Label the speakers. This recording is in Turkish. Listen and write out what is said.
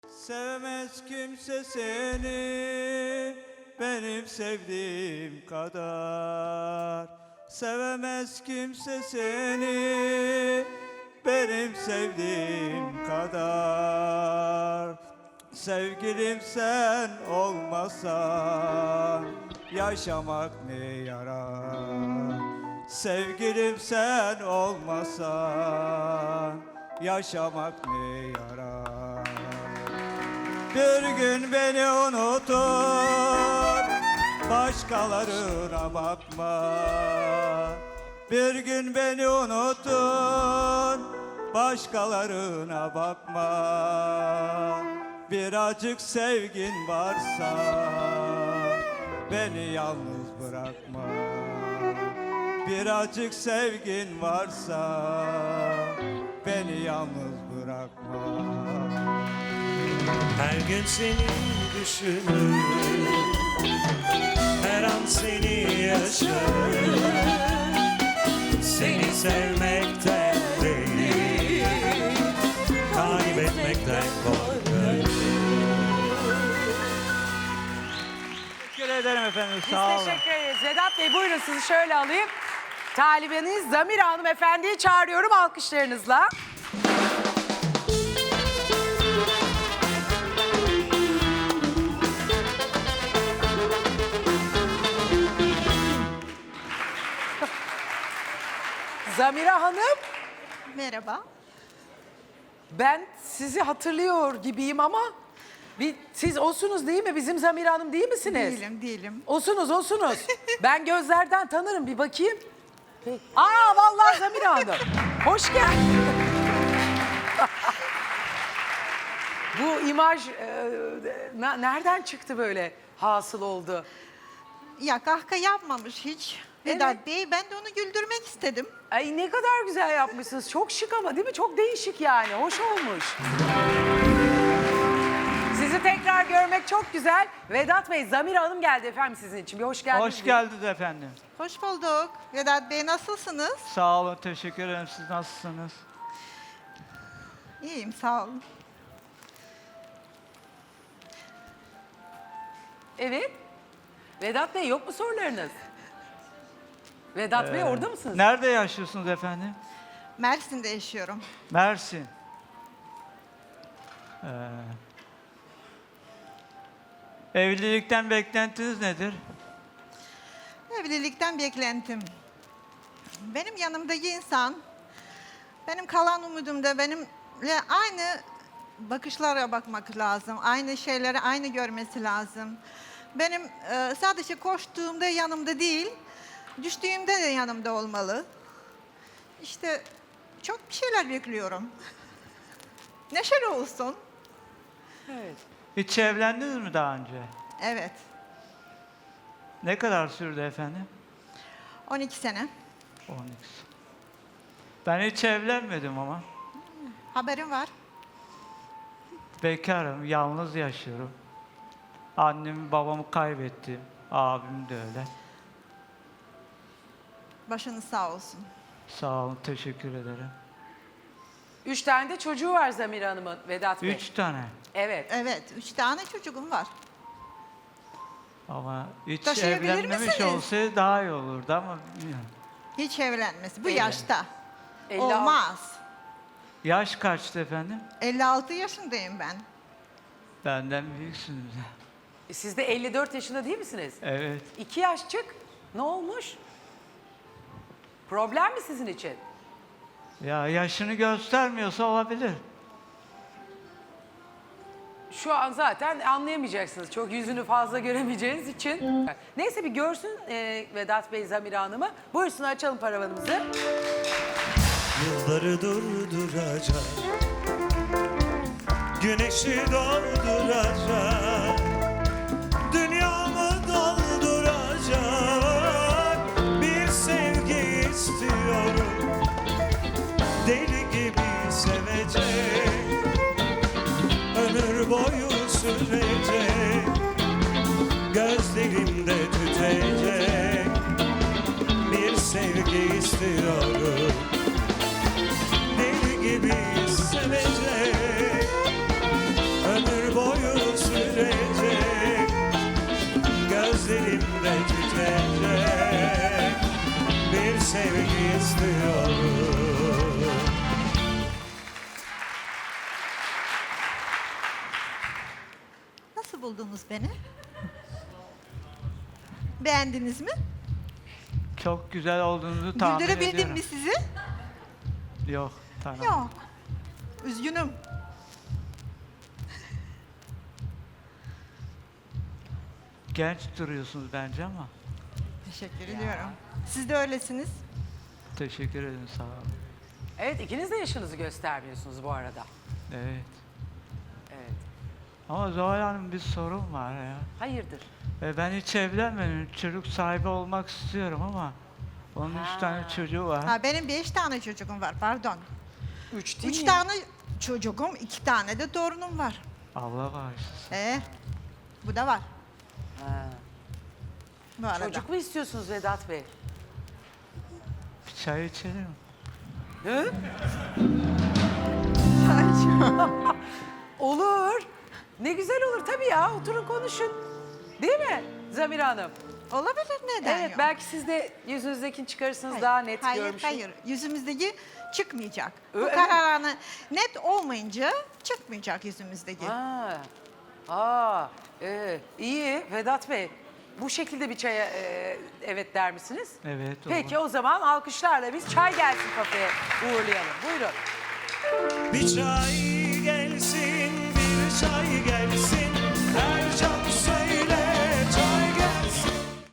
Speaker 1: Sevmez kimse seni benim sevdiğim kadar. Sevemez kimse seni benim sevdiğim kadar. Sevgilim sen olmasan yaşamak ne yarar? Sevgilim sen olmasan yaşamak ne yarar? Bir gün beni unutur, başkalarına bakma. Bir gün beni unutun, başkalarına bakma. Birazcık sevgin varsa beni yalnız bırakma. Birazcık sevgin varsa beni yalnız bırakma.
Speaker 2: Her gün seni düşünür, her an seni yaşarım. Seni sevmekten değil, kaybetmekten korkarım.
Speaker 1: Teşekkür ederim efendim,
Speaker 3: Biz
Speaker 1: sağ olun.
Speaker 3: teşekkür ederiz. Vedat Bey buyurun sizi şöyle alayım. Talibeniz Zamira Hanımefendi'yi çağırıyorum alkışlarınızla. Zamira Hanım,
Speaker 4: Merhaba.
Speaker 3: ben sizi hatırlıyor gibiyim ama siz osunuz değil mi? Bizim Zamira Hanım değil misiniz?
Speaker 4: Değilim.
Speaker 3: Osunuz. Ben gözlerden tanırım, bir bakayım. Aa vallahi Zamira Hanım. Hoş geldin. Bu imaj nereden çıktı böyle hasıl oldu?
Speaker 4: Ya kahkaha yapmamış hiç Vedat
Speaker 3: Evet.
Speaker 4: Bey. Ben de onu güldürmek istedim.
Speaker 3: Ay ne kadar güzel yapmışsınız. Çok şık ama değil mi? Çok değişik yani. Hoş olmuş. Sizi tekrar görmek çok güzel. Vedat Bey, Zamira Hanım geldi efendim sizin için. Bir hoş geldiniz.
Speaker 1: Hoş geldiniz efendim.
Speaker 4: Hoş bulduk. Vedat Bey nasılsınız?
Speaker 1: Sağ olun, teşekkür ederim. Siz nasılsınız?
Speaker 4: İyiyim sağ olun.
Speaker 3: Evet. Vedat Bey yok mu sorularınız? Vedat Bey orada mısınız?
Speaker 1: Nerede yaşıyorsunuz efendim?
Speaker 4: Mersin'de yaşıyorum.
Speaker 1: Mersin. Evlilikten beklentiniz nedir?
Speaker 4: Evlilikten beklentim. Benim yanımdaki insan, benim kalan umudumda benimle aynı bakışlara bakmak lazım. Aynı şeyleri aynı görmesi lazım. Benim sadece koştuğumda yanımda değil, düştüğümde de yanımda olmalı. İşte çok bir şeyler bekliyorum. Neşeli olsun.
Speaker 3: Evet.
Speaker 1: Hiç evlendiniz mi daha önce?
Speaker 4: Evet,
Speaker 1: Ne kadar sürdü efendim?
Speaker 4: 12 sene.
Speaker 1: 12. Ben hiç evlenmedim ama.
Speaker 4: Haberim var.
Speaker 1: Bekarım, yalnız yaşıyorum. Annemi babamı kaybettim. Abim de öyle.
Speaker 4: Başınız sağ olsun.
Speaker 1: Sağ olun, teşekkür ederim.
Speaker 3: 3 tane de çocuğu var Zamira Hanım'ın, Vedat Bey.
Speaker 1: 3 tane.
Speaker 3: Evet.
Speaker 4: Evet, 3 tane çocuğum var.
Speaker 1: Ama hiç
Speaker 4: Taşıyabilir
Speaker 1: evlenmemiş
Speaker 4: misiniz?
Speaker 1: olsaydı daha iyi olurdu ama bilmiyorum.
Speaker 4: Hiç evlenmesi bu
Speaker 3: Evet.
Speaker 4: yaşta.
Speaker 3: 56.
Speaker 4: Olmaz.
Speaker 1: Yaş kaçtı efendim?
Speaker 4: 56 yaşındayım ben.
Speaker 1: Benden büyüksünüz.
Speaker 3: Siz de 54 yaşında değil misiniz?
Speaker 1: Evet.
Speaker 3: 2 yaşçık. Ne olmuş? Problem mi sizin için?
Speaker 1: Ya yaşını göstermiyorsa olabilir.
Speaker 3: Şu an zaten anlayamayacaksınız. Çok yüzünü fazla göremeyeceğiniz için. Neyse bir görsün Vedat Bey Zamira Hanım'ı. Buyursun açalım paravanımızı.
Speaker 2: Yılları durduracak, güneşi dolduracak, dünyamı dolduracak bir sevgi istiyorum. Deli gibi sevecek, ömür boyu sürecek, gözlerimde tütecek bir sevgi istiyorum. Deli gibi sevecek, ömür sürecek, gözlerimde tütecek bir sevgi istiyorum.
Speaker 4: Nasıl buldunuz beni? Beğendiniz mi?
Speaker 1: Çok güzel olduğunuzu tahmin
Speaker 4: Güldürebildim
Speaker 1: ediyorum.
Speaker 4: mi sizi?
Speaker 1: Yok, tamam.
Speaker 4: Yok. Üzgünüm.
Speaker 1: Genç duruyorsunuz bence ama.
Speaker 4: Teşekkür ediyorum. Siz de öylesiniz.
Speaker 1: Teşekkür ederim, sağ olun.
Speaker 3: Evet, ikiniz de yaşınızı göstermiyorsunuz bu arada.
Speaker 1: Evet.
Speaker 3: Evet.
Speaker 1: Ama Zuhal Hanım bir sorun var ya.
Speaker 3: Hayırdır?
Speaker 1: Ben hiç evlenmedim. Çocuk sahibi olmak istiyorum ama onun 3 tane çocuğu var.
Speaker 4: Ha, benim 5 tane çocuğum var, pardon.
Speaker 3: 3 değil
Speaker 4: 3
Speaker 3: mi?
Speaker 4: tane çocuğum, 2 tane de torunum var.
Speaker 1: Allah bağışlasın.
Speaker 4: Bu da var.
Speaker 3: Ha.
Speaker 4: Bu arada.
Speaker 3: Çocuk mu istiyorsunuz Vedat Bey?
Speaker 1: Bir çay içelim mi?
Speaker 3: Hı? Olur. Ne güzel olur tabii ya. Oturun konuşun. Değil mi Zamira Hanım?
Speaker 4: Olabilir, neden
Speaker 3: Evet,
Speaker 4: yok?
Speaker 3: belki siz de yüzünüzdekini çıkarırsınız,
Speaker 4: Hayır,
Speaker 3: daha net
Speaker 4: hayır,
Speaker 3: görmüşsünüz.
Speaker 4: hayır. Yüzümüzdeki çıkmayacak. Bu
Speaker 3: Evet.
Speaker 4: kararını net olmayınca çıkmayacak yüzümüzdeki.
Speaker 3: İyi Vedat Bey. Bu şekilde bir çaya evet der misiniz?
Speaker 1: Evet,
Speaker 3: Peki
Speaker 1: olur.
Speaker 3: o zaman alkışlarla biz çay gelsin kafeye uğurlayalım. Buyurun.
Speaker 2: Bir çay gelsin, bir çay gelsin, her can söyler